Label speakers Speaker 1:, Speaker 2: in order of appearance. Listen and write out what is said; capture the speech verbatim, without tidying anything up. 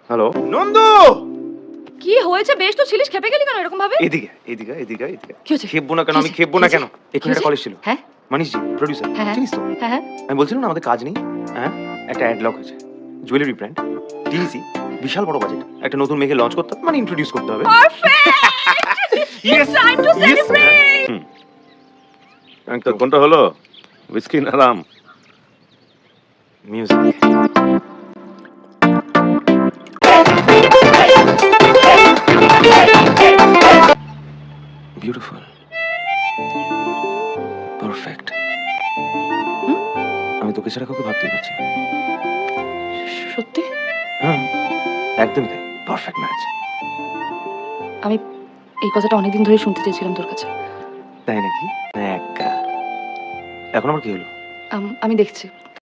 Speaker 1: Hello Nandu,
Speaker 2: কি হয়েছে? বেশ তো ছিলিস, খেপে গেলি কেন এরকম ভাবে?
Speaker 1: এদিকে এদিকে এদিকে এদিকে।
Speaker 2: কি হয়েছে?
Speaker 1: খেপবো না কেন?
Speaker 2: কি
Speaker 1: আমি
Speaker 2: হয়েছে?
Speaker 1: খেপবো না
Speaker 2: কি
Speaker 1: কেন?
Speaker 2: হয়েছে?
Speaker 1: এক্ষুনি একটা
Speaker 2: কি
Speaker 1: কলেজ ছিল।
Speaker 2: হ্যাঁ
Speaker 1: মানিশ জি প্রোডিউসার,
Speaker 2: হ্যাঁ হ্যাঁ
Speaker 1: চিনিস তো?
Speaker 2: হ্যাঁ হ্যাঁ
Speaker 1: আমি বলছিলাম না আমাদের কাজ নেই। হ্যাঁ, একটা অ্যাড লক হয়েছে, জুয়েলারি ব্র্যান্ড, টিভিসি, বিশাল বড় বাজেট। একটা নতুন মেয়েকে লঞ্চ করতে হবে, মানে ইন্ট্রোডিউস করতে হবে।
Speaker 2: It's time to celebrate!
Speaker 1: হুম,
Speaker 3: তো কোনটা হলো, উইস্কি না রাম?
Speaker 1: মিউজিক। Beautiful, perfect. আমি তোকে ছাড়া কাউকে ভাবতেই পারছি না।
Speaker 2: সত্যি?
Speaker 1: হ্যাঁ, একদমই তাই, পারফেক্ট ম্যাচ।
Speaker 2: আমি এই কথাটা অনেকদিন ধরে শুনতে চেয়েছিলাম তোর কাছে।
Speaker 1: তাই নাকি? একা এখন আমার কি হলো?
Speaker 2: আম- আমি দেখছি